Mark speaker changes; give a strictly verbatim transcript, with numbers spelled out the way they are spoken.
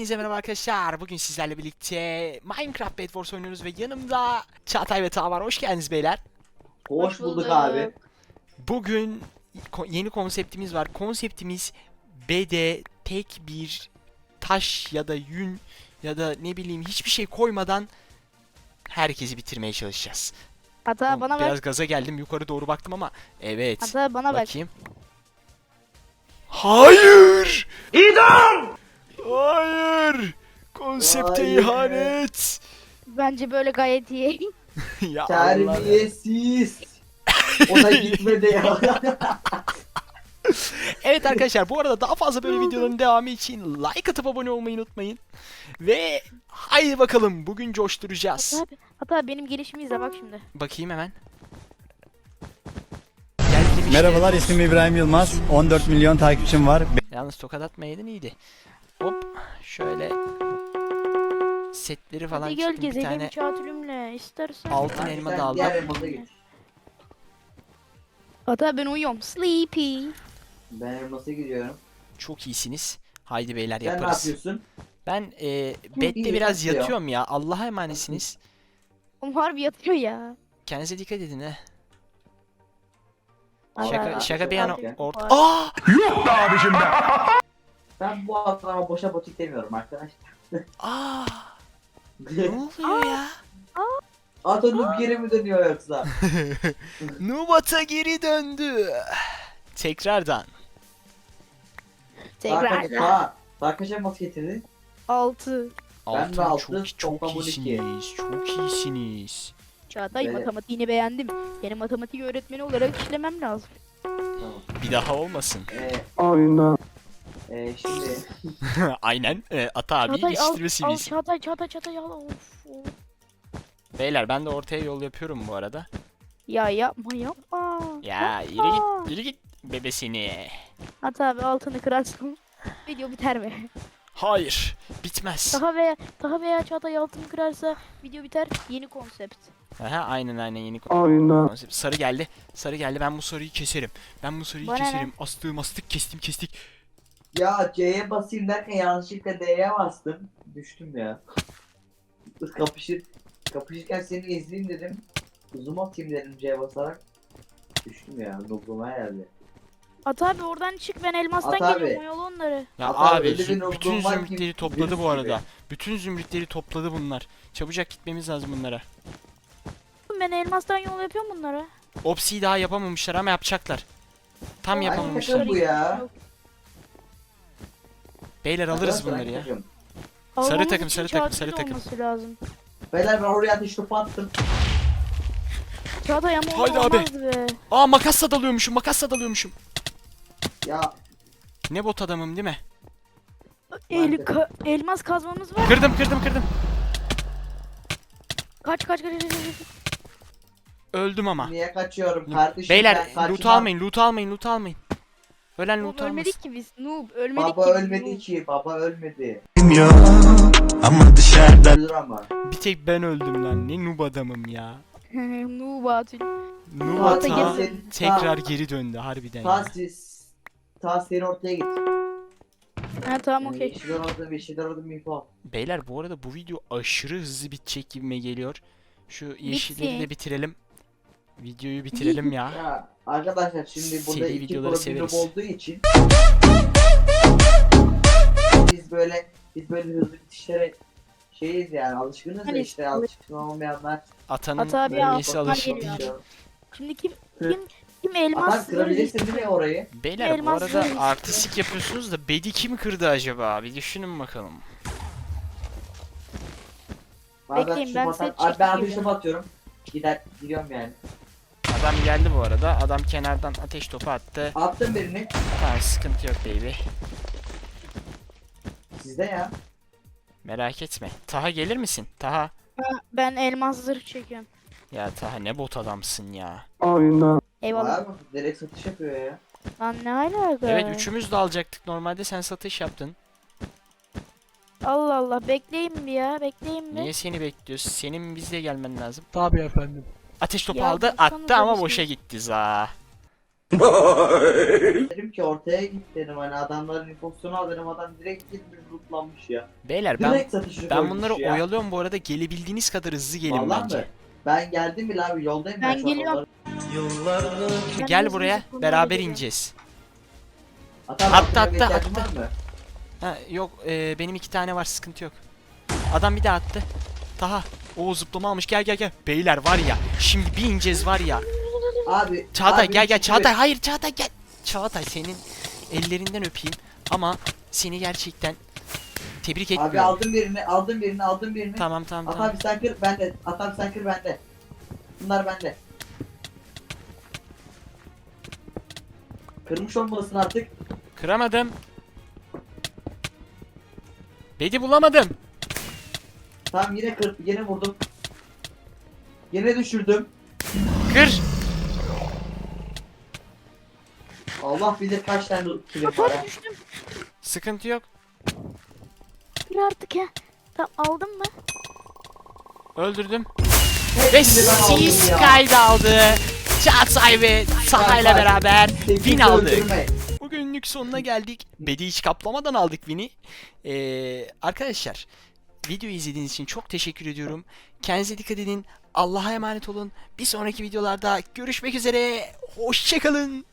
Speaker 1: Hepinize merhaba arkadaşlar. Bugün sizlerle birlikte Minecraft Bed Wars oynuyoruz ve yanımda Çağatay ve Taha var. Hoş geldiniz beyler.
Speaker 2: Hoş bulduk abi.
Speaker 1: Bugün ko- yeni konseptimiz var. Konseptimiz bede tek bir taş ya da yün ya da ne bileyim hiçbir şey koymadan herkesi bitirmeye çalışacağız.
Speaker 3: Ata
Speaker 1: Oğlum,
Speaker 3: bana
Speaker 1: biraz
Speaker 3: bak.
Speaker 1: gaza geldim, yukarı doğru baktım ama evet.
Speaker 3: Ata bana bak.
Speaker 1: Bakayım. Hayır! İdam! Hayır! Konsepte
Speaker 2: Hayır.
Speaker 1: ihanet!
Speaker 3: Bence böyle gayet iyi.
Speaker 1: Ya Allah.
Speaker 2: Terbiyesiz. O da gitmedi ya.
Speaker 1: Evet arkadaşlar, bu arada daha fazla böyle videoların devamı için like atıp abone olmayı unutmayın. Ve haydi bakalım, bugün coşturacağız.
Speaker 3: Ata, Ata benim gelişimi izle bak şimdi.
Speaker 1: Bakayım hemen. Geldim işte.
Speaker 4: Merhabalar, ismim İbrahim Yılmaz. on dört milyon takipçim var.
Speaker 1: Yalnız tokat atmayaydın iyiydi. Hop şöyle setleri falan
Speaker 3: Hadi gel
Speaker 1: çıktım, bir
Speaker 3: gezelim
Speaker 1: tane
Speaker 3: çatülümle istersen.
Speaker 1: altın elma da
Speaker 2: Sen
Speaker 1: aldım.
Speaker 2: diğer remote'a git.
Speaker 3: Ata ben uyuyorum. Sleepy.
Speaker 2: Ben remote'a gidiyorum.
Speaker 1: Çok iyisiniz. Haydi beyler,
Speaker 2: Sen ne
Speaker 1: yaparız.
Speaker 2: yapıyorsun?
Speaker 1: Ben e, bedde
Speaker 2: iyi,
Speaker 1: biraz
Speaker 2: yatıyor.
Speaker 1: yatıyorum ya. Allah'a emanetsiniz.
Speaker 3: Oğlum harbi yatıyor ya.
Speaker 1: Kendinize dikkat edin he.
Speaker 3: Allah
Speaker 1: Şaka
Speaker 3: Allah.
Speaker 1: şaka bir yana
Speaker 2: Abi.
Speaker 1: orta. Aa!
Speaker 2: Ben bu adama boşa botik demiyorum arkadaşlar.
Speaker 1: Aa! Ne oluyor ya?
Speaker 2: Atonum geri mi dönüyor yoksa?
Speaker 1: Nubat'a geri döndü. Tekrardan.
Speaker 3: Tekrar.
Speaker 2: Daha daha kaç remote getirdi?
Speaker 3: altı.
Speaker 2: Ben de
Speaker 1: Altın
Speaker 2: altı,
Speaker 1: çok çok
Speaker 2: toplam on iki.
Speaker 1: iyisiniz. Çok iyisiniz.
Speaker 3: Çağatay
Speaker 2: Evet.
Speaker 3: matematiğini beğendim. Benim matematik öğretmeni olarak işlemem lazım.
Speaker 2: Tamam.
Speaker 1: Bir daha olmasın.
Speaker 2: Ee, ee, şimdi
Speaker 1: Aynen. E, Ata abi
Speaker 3: Çağatay al,
Speaker 1: yetiştirme
Speaker 3: al
Speaker 1: seviyesi.
Speaker 3: Çağatay Çağatay Çağatay al. Of, of.
Speaker 1: Beyler ben de ortaya yol yapıyorum bu arada.
Speaker 3: Ya yapma yapma.
Speaker 1: Ya yürü
Speaker 3: Yapma.
Speaker 1: git, yürü git bebesini.
Speaker 3: Ata abi altını kırarsın. Video biter mi?
Speaker 1: Hayır, bitmez.
Speaker 3: Daha veya daha veya Çağatay altını kırarsa video biter. Yeni konsept.
Speaker 1: Aha, aynen aynen yeni konsept. Sarı geldi. Sarı geldi. Ben bu sarıyı keserim. Ben bu sarıyı
Speaker 3: Bana ne?
Speaker 1: keserim. Astığı mastık kestim kestik.
Speaker 2: ya C'ye basayım derken yanlışlıkla D'ye bastım. Düştüm ya. Kapışır kapışırken seni izleyeyim dedim. Zoom atayım dedim C'ye basarak. Düştüm ya. Noob'uma geldi.
Speaker 3: At abi oradan çık, ben elmastan
Speaker 2: At abi.
Speaker 3: geliyorum, oyalı onları.
Speaker 1: Ya
Speaker 2: Hatta
Speaker 1: abi
Speaker 2: öyle bir
Speaker 1: züm-
Speaker 2: noktam
Speaker 1: bütün
Speaker 2: var ki
Speaker 1: zümrütleri topladı
Speaker 2: virüs
Speaker 1: bu arada.
Speaker 2: gibi.
Speaker 1: Bütün zümrütleri topladı bunlar. Çabucak gitmemiz lazım bunlara.
Speaker 3: Ben elmastan yol yapıyorum bunlara.
Speaker 1: Opsi'yi daha yapamamışlar ama yapacaklar. Tam
Speaker 2: Ay,
Speaker 1: yapamamışlar.
Speaker 2: takım bu ya.
Speaker 1: Beyler alırız
Speaker 2: Arkadaşlar,
Speaker 1: bunları ya.
Speaker 2: takım.
Speaker 3: Almamız
Speaker 1: takım,
Speaker 3: için
Speaker 1: sarı takım,
Speaker 3: Çağatay'ın
Speaker 1: sarı takım.
Speaker 3: olması lazım.
Speaker 2: Beyler ben oraya ateş topu attım.
Speaker 3: Çağatay ama
Speaker 1: Haydi abi.
Speaker 3: olmazdı be.
Speaker 1: Aa, makasla dalıyormuşum, makasla dalıyormuşum.
Speaker 2: Ya
Speaker 1: Ne bot adamım değil mi?
Speaker 3: El,
Speaker 2: Maalesef.
Speaker 3: ka- elmas kazmamız var.
Speaker 1: Kırdım kırdım kırdım.
Speaker 3: Kaç kaç kaç kaç. kaç.
Speaker 1: Öldüm ama.
Speaker 2: niye kaçıyorum kardeşim?
Speaker 1: Beyler
Speaker 2: ben kaçmam.
Speaker 1: loot almayın, loot almayın, loot almayın. Ölen
Speaker 3: Noob
Speaker 1: loot almasın.
Speaker 3: ölmedik ki biz. Noob ölmedik
Speaker 2: Baba
Speaker 3: ki.
Speaker 2: ölmedi ki. Baba ölmedi.
Speaker 4: Ama dışarıda
Speaker 2: Ölür ama.
Speaker 1: Bir tek ben öldüm lan. Ne noob adamım ya.
Speaker 3: Noob atıl.
Speaker 1: Noob
Speaker 3: Fuat'a
Speaker 1: ata
Speaker 3: geri
Speaker 2: dön.
Speaker 1: tekrar geri döndü harbiden
Speaker 2: Ta
Speaker 1: ya.
Speaker 2: siz. Ta seni ortaya git.
Speaker 3: Ha tamam
Speaker 2: Yani
Speaker 3: okey.
Speaker 2: Bir şeyler orada bir şeyler orada bir info.
Speaker 1: Beyler bu arada bu video aşırı hızlı bitecek gibime geliyor. Şu yeşilleri
Speaker 3: Bitsin.
Speaker 1: de bitirelim. Videoyu bitirelim ya.
Speaker 2: Ya arkadaşlar şimdi burada
Speaker 1: Seri
Speaker 2: iki
Speaker 1: videoları
Speaker 2: profilüm
Speaker 1: severiz.
Speaker 2: olduğu için biz böyle biz böyle hızlı bitişlere şeyiz yani alışkınız da
Speaker 3: Hani
Speaker 2: işte alışkın olmayanlar
Speaker 1: Atanın
Speaker 3: Ata abi
Speaker 1: bölgesi
Speaker 3: al,
Speaker 1: alışık
Speaker 3: geliyor.
Speaker 1: değil.
Speaker 3: Şimdi kim
Speaker 2: Hı.
Speaker 3: kim kim
Speaker 2: Adam
Speaker 3: elmas
Speaker 2: kırabilirsin değil mi orayı?
Speaker 1: Beyler bu
Speaker 3: Elmas
Speaker 1: arada
Speaker 3: zırh
Speaker 1: artistik yapıyorsunuz da bedi kim kırdı acaba? Bir düşünün bakalım.
Speaker 2: Bazen
Speaker 3: Bekleyin,
Speaker 2: şu
Speaker 3: ben
Speaker 2: batar-
Speaker 3: set
Speaker 2: Abi ben
Speaker 3: çekeyim
Speaker 2: ateş
Speaker 3: ya.
Speaker 2: topu atıyorum. Gider gidiyorum yani.
Speaker 1: Adam geldi bu arada. Adam kenardan ateş topu attı.
Speaker 2: Attım birini.
Speaker 1: Tamam, sıkıntı yok baby.
Speaker 2: Sizde ya.
Speaker 1: Merak etme. Taha gelir misin? Taha.
Speaker 3: Ben elmas zırh çekiyorum.
Speaker 1: Ya Taha ne bot adamsın ya.
Speaker 3: Eyvallah.
Speaker 2: Var mı? Direkt satış yapıyor ya.
Speaker 3: Lan ne alaka?
Speaker 1: Evet, üçümüz de alacaktık. Normalde sen satış yaptın.
Speaker 3: Allah Allah, bekleyin bir ya, bekleyin bir.
Speaker 1: Niye seni bekliyoruz? Senin bizle gelmen lazım.
Speaker 5: Tabii efendim.
Speaker 1: Ateş topu
Speaker 3: Ya
Speaker 1: aldı,
Speaker 3: baksanıza
Speaker 1: attı ama
Speaker 3: bir
Speaker 1: boşa
Speaker 3: şey.
Speaker 1: gitti za.
Speaker 2: Dedim ki ortaya git dedim, hani adamların infosyonu al dedim, adam direkt gitmiş lootlanmış ya.
Speaker 1: Beyler ben
Speaker 2: Direkt satışı
Speaker 1: ben
Speaker 2: koymuş
Speaker 1: bunları
Speaker 2: ya.
Speaker 1: oyalıyorum bu arada, gelebildiğiniz kadar hızlı gelin
Speaker 2: Vallahi
Speaker 1: bence.
Speaker 2: mi? Ben geldim bile abi, yoldayım
Speaker 3: Ben
Speaker 2: ben, şu an
Speaker 3: geliyorum.
Speaker 2: onları-
Speaker 3: Ben
Speaker 1: Gel
Speaker 3: hızlı
Speaker 1: buraya,
Speaker 3: hızlı bunları
Speaker 1: beraber
Speaker 3: geliyorum.
Speaker 1: ineceğiz.
Speaker 2: Atam,
Speaker 1: Attı,
Speaker 2: altına bir
Speaker 1: attı,
Speaker 2: ihtiyacın
Speaker 1: attı.
Speaker 2: var mı?
Speaker 1: Ha yok, e, benim iki tane var, sıkıntı yok. Adam bir daha attı. Taha. O zıplama almış, gel gel gel. Beyler var ya, şimdi bir ineceğiz var ya.
Speaker 2: Abi.
Speaker 1: Çağatay
Speaker 2: abi
Speaker 1: gel gel,
Speaker 2: çünkü-
Speaker 1: Çağatay hayır, Çağatay gel. Çağatay senin ellerinden öpeyim ama seni gerçekten tebrik
Speaker 2: Abi
Speaker 1: etmiyorum.
Speaker 2: aldım birini, aldım birini, aldım birini.
Speaker 1: Tamam tamam
Speaker 2: At
Speaker 1: tamam.
Speaker 2: abi sen kır bende. At abi sen kır bende. Bunlar bende. Kırmış olmalısın artık.
Speaker 1: Kıramadım. Bedi bulamadım.
Speaker 2: Tamam yine kır, yine vurdum. Yine düşürdüm.
Speaker 1: Kır.
Speaker 2: Allah bilir kaç tane kilim var ha.
Speaker 3: Bak düştüm.
Speaker 1: Sıkıntı yok.
Speaker 3: Bir artık ya. Tamam aldın mı?
Speaker 1: Öldürdüm. Ve
Speaker 2: Hepsini ben aldım
Speaker 1: siz
Speaker 2: ya.
Speaker 1: kaydı aldı. Çağatay ve Taha ile
Speaker 2: Çağatay,
Speaker 1: beraber
Speaker 2: Teknik
Speaker 1: win aldık.
Speaker 2: öldürme.
Speaker 1: Bugünlük sonuna geldik. Bedi hiç kaplamadan aldık win'i. Ee, arkadaşlar videoyu izlediğiniz için çok teşekkür ediyorum. Kendinize dikkat edin. Allah'a emanet olun. Bir sonraki videolarda görüşmek üzere. Hoşçakalın.